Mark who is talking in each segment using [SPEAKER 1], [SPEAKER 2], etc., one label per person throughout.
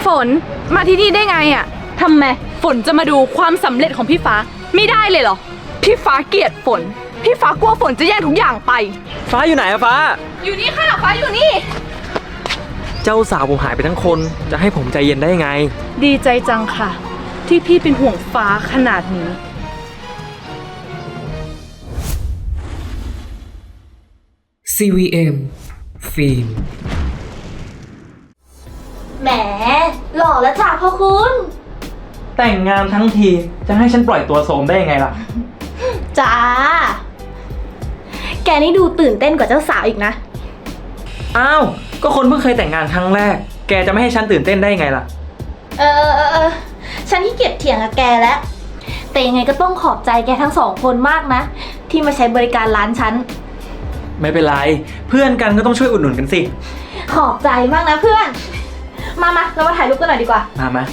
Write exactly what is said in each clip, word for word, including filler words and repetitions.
[SPEAKER 1] ฝนมาที่นี่ได้ไงอ่ะทำไมฝนจะมาดูความสำเร็จของพี่ฟ้าไม่ได้เลยเหรอพี่ฟ้าเกลียดฝนพี่ฟ้ากลัวฝนจะแย่งทุกอย่างไป
[SPEAKER 2] ฟ้าอยู่ไหนอะฟ้า
[SPEAKER 1] อยู่นี่ค่ะฟ้าอยู่นี่
[SPEAKER 2] เจ้าสาวผมหายไปทั้งคนจะให้ผมใจเย็นได้ยังไง
[SPEAKER 1] ดีใจจังค่ะที่พี่เป็นห่วงฟ้าขนาดนี้
[SPEAKER 3] ซี วี เอ็ม ฟิล์ม
[SPEAKER 4] แหมหล่อแล้วจ้ะพ่อคุณ
[SPEAKER 2] แต่งงานทั้งทีจะให้ฉันปล่อยตัวโสมได้ยังไงล่ะ
[SPEAKER 4] จ้าแกนี่ดูตื่นเต้นกว่าเจ้าสาวอีกนะ
[SPEAKER 2] อ้าวก็คนเพิ่งเคยแต่งงานครั้งแรกแกจะไม่ให้ฉันตื่นเต้นได้ยังไงล่ะ
[SPEAKER 4] เออเออเออฉันขี้เกียจเถียงกับแกแล้วแต่ยังไงก็ต้องขอบใจแกทั้งสองคนมากนะที่มาใช้บริการร้านฉัน
[SPEAKER 2] ไม่เป็นไรเพื่อนกันก็ต้องช่วยอุดหนุนกันสิ
[SPEAKER 4] ขอบใจมากนะเพื่อนมามาเรามาถ่ายรูปกันหน่อยดีกว่า
[SPEAKER 2] มามา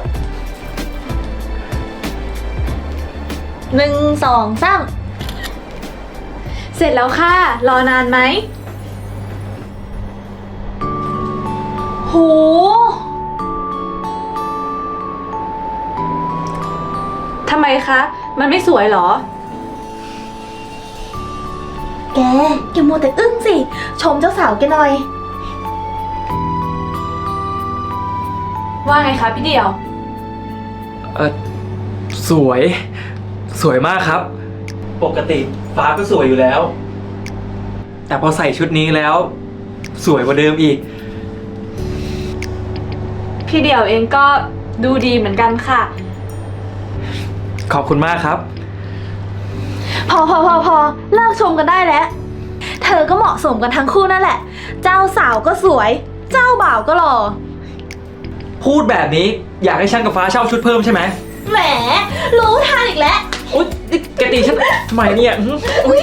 [SPEAKER 4] หนึ่งสองสาม
[SPEAKER 1] เสร็จแล้วค่ะรอนานไหม
[SPEAKER 4] โห
[SPEAKER 1] ทำไมคะมันไม่สวยเหรอ
[SPEAKER 4] แกแกมัวแต่อึ้งสิชมเจ้าสาวแกหน่อย
[SPEAKER 1] ว่าไงคะพี่เดี่ยว
[SPEAKER 2] เออสวยสวยมากครับปกติฟ้าก็สวยอยู่แล้วแต่พอใส่ชุดนี้แล้วสวยกว่าเดิมอีก
[SPEAKER 1] พี่เดี่ยวเองก็ดูดีเหมือนกันค่ะ
[SPEAKER 2] ขอบคุณมากครับ
[SPEAKER 4] พอพอพอพอเลิกชมกันได้แล้วเธอก็เหมาะสมกันทั้งคู่นั่นแหละเจ้าสาวก็สวยเจ้าบ่าวก็หล่อ
[SPEAKER 2] พูดแบบนี้อยากให้ฉันกับฟ้าเช่าชุดเพิ่มใช่ไหม
[SPEAKER 4] แหมรู้ทันอีกแล้ว
[SPEAKER 2] อุ๊ยแกตีฉันทำไมเนี่ยอุ๊ย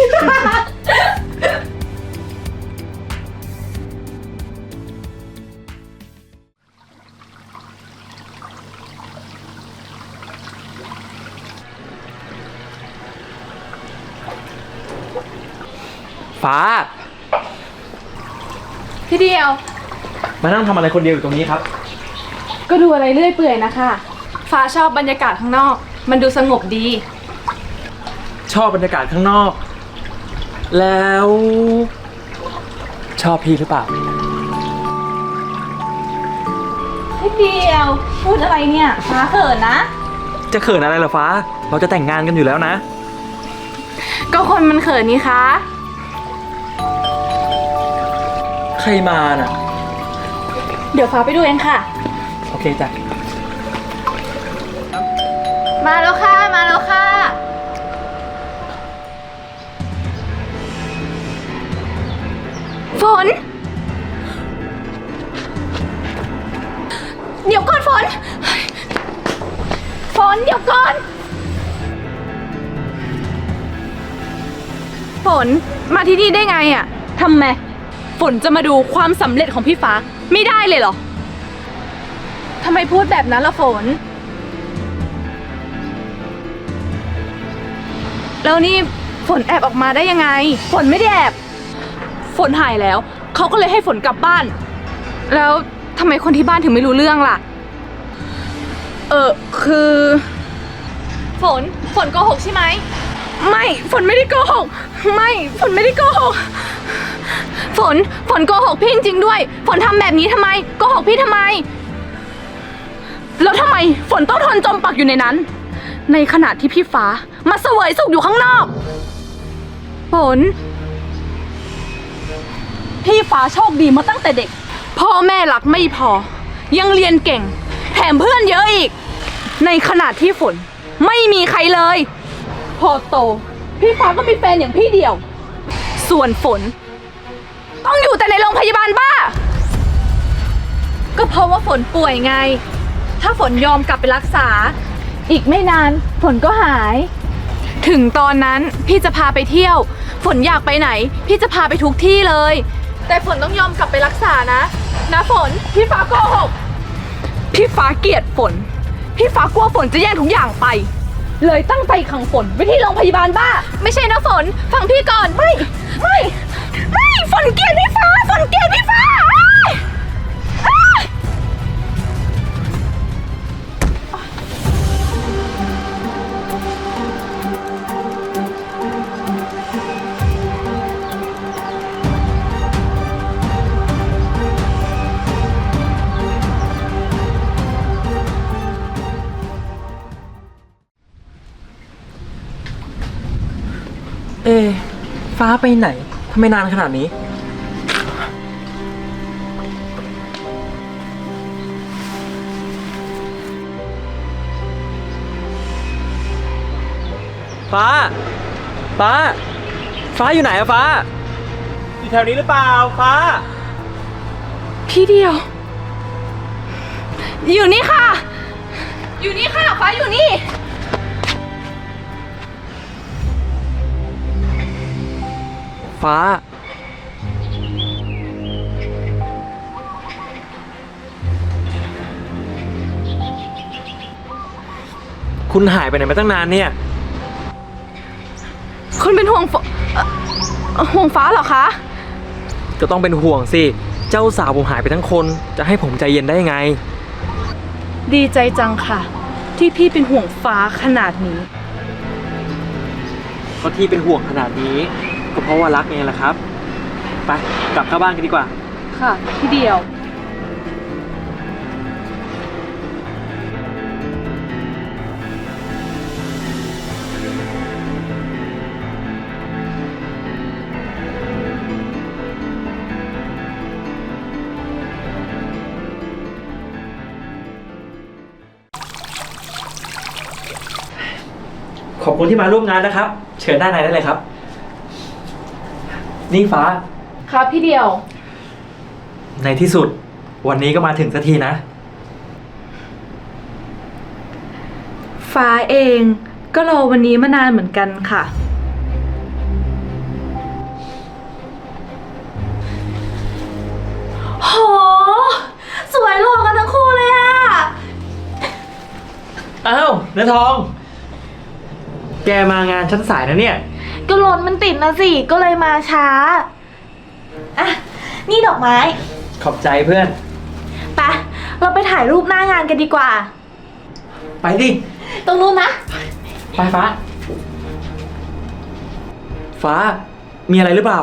[SPEAKER 2] ฟ้า
[SPEAKER 1] พี่เดียว
[SPEAKER 2] มานั่งทำอะไรคนเดียวอยู่ตรงนี้ครับ
[SPEAKER 1] ก็ดูอะไรเรื่อยเปื่อยนะคะฟ้าชอบบรรยากาศข้างนอกมันดูสงบดี
[SPEAKER 2] ชอบบรรยากาศข้างนอกแล้วชอบพี่หรือเปล่า
[SPEAKER 1] พี่เดียวพูดอะไรเนี่ยฟ้าเขินนะ
[SPEAKER 2] จะเขินอะไรเหรอฟ้าเราจะแต่งงานกันอยู่แล้วนะ
[SPEAKER 1] ก็คนมันเขินนี่คะ
[SPEAKER 2] ใครมาน่ะ
[SPEAKER 1] เดี๋ยวฟ้าไปดูเองค่ะ
[SPEAKER 2] โอเคจ้ะ
[SPEAKER 1] มาแล้วค่ะมาแล้วค่ะฝนเดี๋ยวก่อนฝนฝนเดี๋ยวก่อนฝนมาที่นี่ได้ไงอ่ะทำไมฝนจะมาดูความสำเร็จของพี่ฟ้าไม่ได้เลยเหรอทำไมพูดแบบนั้นล่ะฝนแล้วนี่ฝนแอบออกมาได้ยังไงฝนไม่ได้แอบฝนหายแล้วเขาก็เลยให้ฝนกลับบ้านแล้วทำไมคนที่บ้านถึงไม่รู้เรื่องล่ะเออคือฝนฝนโกหกใช่ไหมไม่ฝนไม่ได้โกหกไม่ฝนไม่ได้โกหกฝนฝนโกหกพี่จริงๆด้วยฝนทำแบบนี้ทำไมโกหกพี่ทำไมแล้วทำไมฝนต้องทนจมปักอยู่ในนั้นในขณะที่พี่ฟ้ามาเสวยสุขอยู่ข้างนอกฝนพี่ฟ้าโชคดีมาตั้งแต่เด็กพ่อแม่รักไม่พอยังเรียนเก่งแถมเพื่อนเยอะอีกในขณะที่ฝนไม่มีใครเลยพอโตพี่ฟ้าก็มีแฟนอย่างพี่เดียวส่วนฝนต้องอยู่แต่ในโรงพยาบาลบ้าก็เพราะว่าฝนป่วยไงถ้าฝนยอมกลับไปรักษาอีกไม่นานฝนก็หายถึงตอนนั้นพี่จะพาไปเที่ยวฝนอยากไปไหนพี่จะพาไปทุกที่เลยแต่ฝนต้องยอมกลับไปรักษานะนะฝนพี่ฟ้าโกหกพี่ฟ้าเกลียดฝนพี่ฟ้ากลัวฝนจะแย่งทุกอย่างไปเลยตั้งใจขังฝนไว้ที่โรงพยาบาลบ้าไม่ใช่นะฝนฟังพี่ก่อนไม่ไม่ไม่ฝนเกลียดพี่ฟ้าฝนเกลียดพี่ฟ้า
[SPEAKER 2] ฟ้าไปไหนทำไมนานขนาดนี้ ฟ้า ฟ้า ฟ้าอยู่ไหนอะฟ้า อยู่แถวนี้หรือเปล่า ฟ้า
[SPEAKER 1] พี่เดียว อยู่นี่ค่ะ อยู่นี่ค่ะ ฟ้าอยู่นี่
[SPEAKER 2] ฟ้า คุณหายไปไหนมาตั้งนานเนี่ย
[SPEAKER 1] คุณเป็นห่วงฝเอ่อห่วงฟ้าเหรอคะ
[SPEAKER 2] ก็ต้องเป็นห่วงสิ เจ้าสาวผมหายไปทั้งคน จะให้ผมใจเย็นได้ยังไง
[SPEAKER 1] ดีใจจังค่ะ ที่พี่เป็นห่วงฟ้าขนาดนี้
[SPEAKER 2] ก็ที่เป็นห่วงขนาดนี้ ก็เพราะว่ารักไงล่ะครับ ไป กลับเข้าบ้านกันดีกว่า
[SPEAKER 1] ค่ะ พี่เดียว
[SPEAKER 2] ขอบคุณที่มาร่วมงานนะครับ เชิญด้านในได้เลยครับ นี่ฟ้า
[SPEAKER 1] ครับพี่เดียว
[SPEAKER 2] ในที่สุด วันนี้ก็มาถึงสักทีนะ
[SPEAKER 1] ฟ้าเองก็รอวันนี้มานานเหมือนกันค่ะ
[SPEAKER 4] โห สวยหล่อกันทั้งคู่เลยอะ
[SPEAKER 2] อ้าวเนื้อทอง แกมางานชั้นสายนะเนี่ย
[SPEAKER 4] ก็รถมันติดนะสิ ก็เลยมาช้า อ่ะ นี่ดอกไม้
[SPEAKER 2] ขอบใจเพื่อน
[SPEAKER 4] ไป เราไปถ่ายรูปหน้างานกันดีกว่า
[SPEAKER 2] ไปดิ
[SPEAKER 4] ตรงนู้นนะ
[SPEAKER 2] ไปฟ้า ฟ้า มีอะไรหรือเปล่า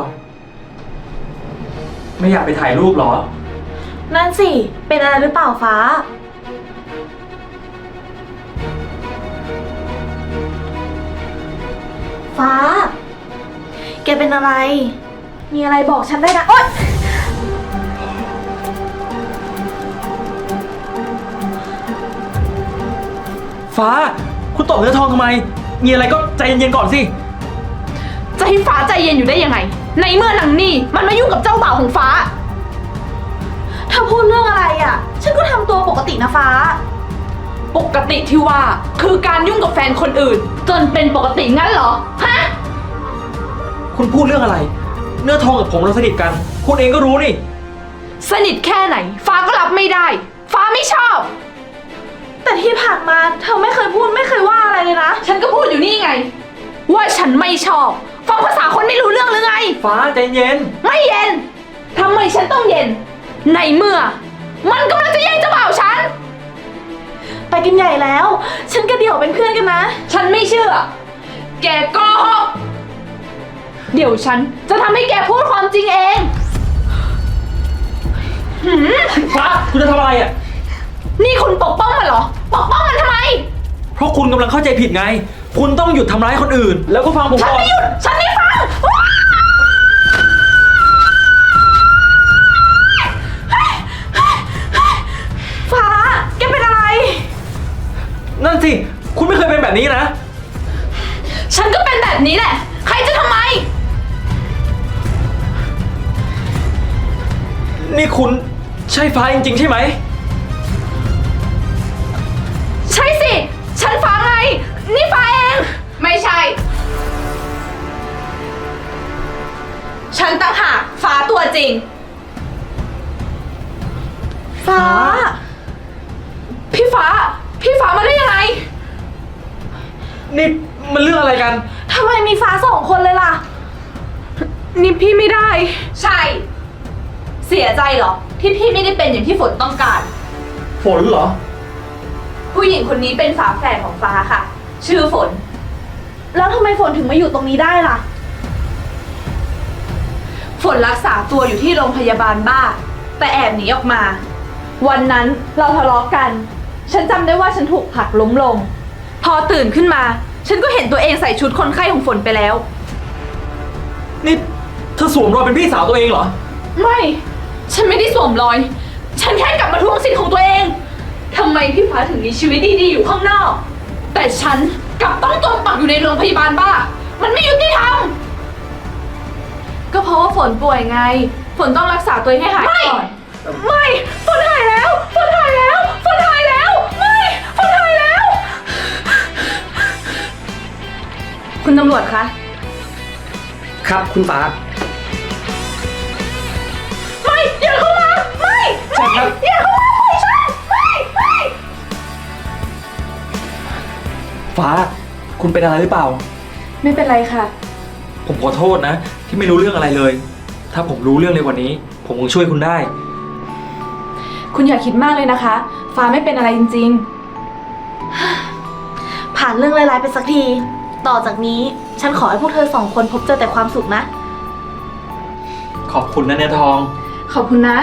[SPEAKER 2] ไม่อยากไปถ่ายรูปเหรอ
[SPEAKER 4] นั่นสิ เป็นอะไรหรือเปล่าฟ้า ฟ้า แกเป็นอะไร มีอะไรบอกฉันได้นะ โอ๊ย
[SPEAKER 2] ฟ้า คุณตบเนื้อทองทำไม มีอะไรก็ใจเย็นๆก่อนสิ
[SPEAKER 1] จะให้ฟ้าใจเย็นอยู่ได้ยังไง ในเมื่อนางนี่มันมายุ่งกับเจ้าบ่าวของฟ้า
[SPEAKER 4] เธอพูดเรื่องอะไรอ่ะ ฉันก็ทำตัวปกตินะฟ้า
[SPEAKER 1] ปกติที่ว่าคือการยุ่งกับแฟนคนอื่น จนเป็นปกติงั้นเหรอ ฮะ
[SPEAKER 2] คุณพูดเรื่องอะไร เนื้อทองกับผมเราสนิทกัน คุณเองก็รู้นี่
[SPEAKER 1] สนิทแค่ไหน ฟ้าก็รับไม่ได้ ฟ้าไม่ชอบ
[SPEAKER 4] แต่ที่ผ่านมาเธอไม่เคยพูดไม่เคยว่าอะไรเลยนะ
[SPEAKER 1] ฉันก็พูดอยู่นี่ไง ว่าฉันไม่ชอบ ฟังภาษาคนไม่รู้เรื่องหรือไง
[SPEAKER 2] ฟ้าใจเย็น
[SPEAKER 1] ไม่เย็นทำไมฉันต้องเย็น ในเมื่อ มันกำลังจะแย่งเจ้าบ่าวฉัน
[SPEAKER 4] ไปกันใหญ่แล้ว ฉันกับเดี่ยวเป็นเพื่อนกันนะ
[SPEAKER 1] ฉันไม่เชื่อ แกโกหกเดี๋ยวฉันจะทำให้แกพูดความจริงเองหืม
[SPEAKER 2] ฟ้า คุณจะทำอะไรอ่ะ
[SPEAKER 1] นี่คุณปกป้องมันเหรอ ปกป้องมันทำไม
[SPEAKER 2] เพราะคุณกำลังเข้าใจผิดไง คุณต้องหยุดทำร้ายคนอื่น แล้วก็ฟังผม
[SPEAKER 1] ฉัน
[SPEAKER 2] ก่อน
[SPEAKER 1] ไม่หยุด ฉันไม่ฟังว้าว
[SPEAKER 4] ฟ้า แกเป็นอะไร
[SPEAKER 2] นั่นสิ คุณไม่เคยเป็นแบบนี้นะ
[SPEAKER 1] ฉันก็เป็นแบบนี้แหละ ใครจะทำไม
[SPEAKER 2] นี่คุณใช่ฟ้าจริงๆใช่ไหม
[SPEAKER 1] ใช่สิ ฉันฟ้าไง นี่ฟ้าเอง ไม่ใช่ ฉันต่างหากฟ้าตัวจริง
[SPEAKER 4] ฟ้า
[SPEAKER 1] พี่ฟ้า พี่ฟ้ามาได้ยังไง
[SPEAKER 2] นี่มันเรื่องอะไรกัน
[SPEAKER 4] ทำไมมีฟ้าสองคนเลยล่ะ
[SPEAKER 1] นี่พี่ไม่ได้ ใช่ เสียใจเหรอ ที่พี่ไม่ได้เป็นอย่างที่ฝนต้องการ
[SPEAKER 2] ฝนเหรอ
[SPEAKER 1] ผู้หญิงคนนี้เป็นฝาแฝดของฟ้าค่ะ ชื่อฝน
[SPEAKER 4] แล้วทำไมฝนถึงมาอยู่ตรงนี้ได้ล่ะ
[SPEAKER 1] ฝนรักษาตัวอยู่ที่โรงพยาบาลบ้า แต่แอบหนีออกมา วันนั้นเราทะเลาะกัน ฉันจำได้ว่าฉันถูกผลักล้มลง พอตื่นขึ้นมา ฉันก็เห็นตัวเองใส่ชุดคนไข้ของฝนไปแล้ว
[SPEAKER 2] นี่เธอสวมรอยเป็นพี่สาวตัวเองเหรอ
[SPEAKER 1] ไม่ ฉันไม่ได้สวมรอย ฉันแค่กลับมาทวงสิทธิ์ของตัวเอง ทำไมพี่ฟ้าถึงมีชีวิตดีๆอยู่ข้างนอก แต่ฉันกลับต้องจมปักอยู่ในโรงพยาบาลบ้า มันไม่ยุติธรรม ก็เพราะว่าฝนป่วยไง ฝนต้องรักษาตัวเองให้หายก่อน ไม่ ฝนหายแล้ว ฝนหายแล้ว ฝนหายแล้ว ไม่ ฝนหายแล้ว คุณตำรวจคะ
[SPEAKER 2] ครับคุณฟ้า
[SPEAKER 1] ไม่อย่าเข้ามา ไม่
[SPEAKER 2] ใช่ครับ
[SPEAKER 1] อย่าเข้ามาปล่อยฉัน ไม่ไม่
[SPEAKER 2] ฟ้า คุณเป็นอะไรหรือเปล่า
[SPEAKER 1] ไม่เป็นไรค่ะ
[SPEAKER 2] ผมขอโทษนะ ที่ไม่รู้เรื่องอะไรเลย ถ้าผมรู้เรื่องในวันนี้ ผมคงช่วยคุณได้
[SPEAKER 1] คุณอย่าคิดมากเลยนะคะ ฟ้าไม่เป็นอะไรจริง
[SPEAKER 4] ผ่านเรื่องร้ายๆไปสักที ต่อจากนี้ฉันขอให้พวกเธอสองคนพบเจอแต่ความสุขนะ
[SPEAKER 2] ขอบคุณนะเนื้อทอง
[SPEAKER 1] ๆ ขอบคุณนะ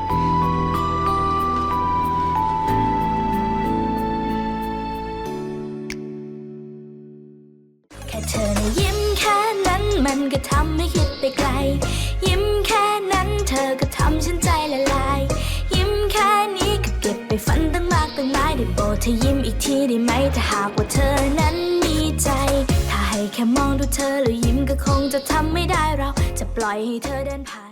[SPEAKER 5] แค่เธอนะยิ้มแค่นั้นมันก็ทำให้คิดไปไกล ยิ้มแค่นั้นเธอก็ทำฉันใจละลาย ยิ้มแค่นี้ก็เก็บไปฝันตั้งมากตั้งหลายได้โปรดเธอยิ้มอีกทีได้ไหมถ้าหากว่าเธอนั้นมีใจ ถ้าให้แค่มองดูเธอแล้วยิ้มก็คงจะทำไม่ได้เราจะปล่อยให้เธอเดินผ่าน